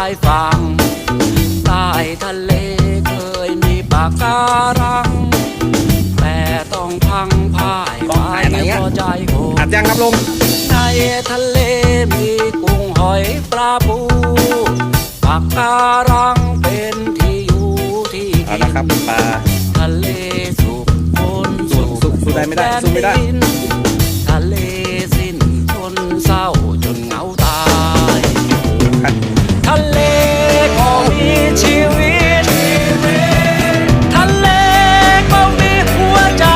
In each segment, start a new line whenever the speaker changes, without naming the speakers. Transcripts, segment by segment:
ายฝั่งใต้ทะเลเคยมีปะการังแต่ต้องพังพ่ายไปเพราะใจโหด
อัดยังครับลุง
ในทะเลมีกุ้งหอยปลาปูปะการังเป็นที่อยู่ที่
เอาละครับปลา
ทะเลสุขคนสุข
สู้ได้ไม่ได้สู้ไม่ได้
ทะเลสิ้นทนเศร้าจนเหงาตาย ทะเลก็มีชีวิต ทะเลก็มีหัวใจ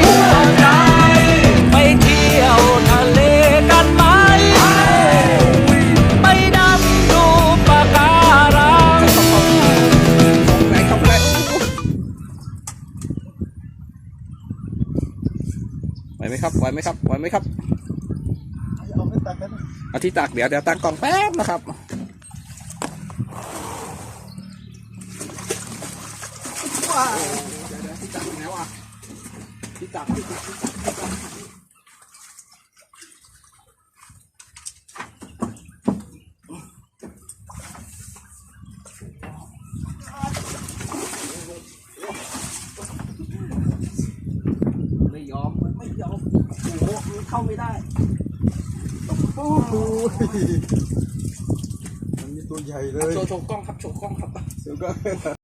ไปเที่ยวทะเลกันไหม ไปดำดูปะการัง
ไหนครับไหนไหวไหมครับไหวไหมครับไหวไหมครับเอาที่ตักเดี๋ยวตักกล่องแป๊บนะครับว้าวเดี๋ยวที่ตักแล้วอ่ะที่ตักไม่ยอมโอ้โหเข้าไม่ได้โอ้โห
มันมีตัวใหญ่เลย
โชว์กล้องครับโชว์กล้องครับ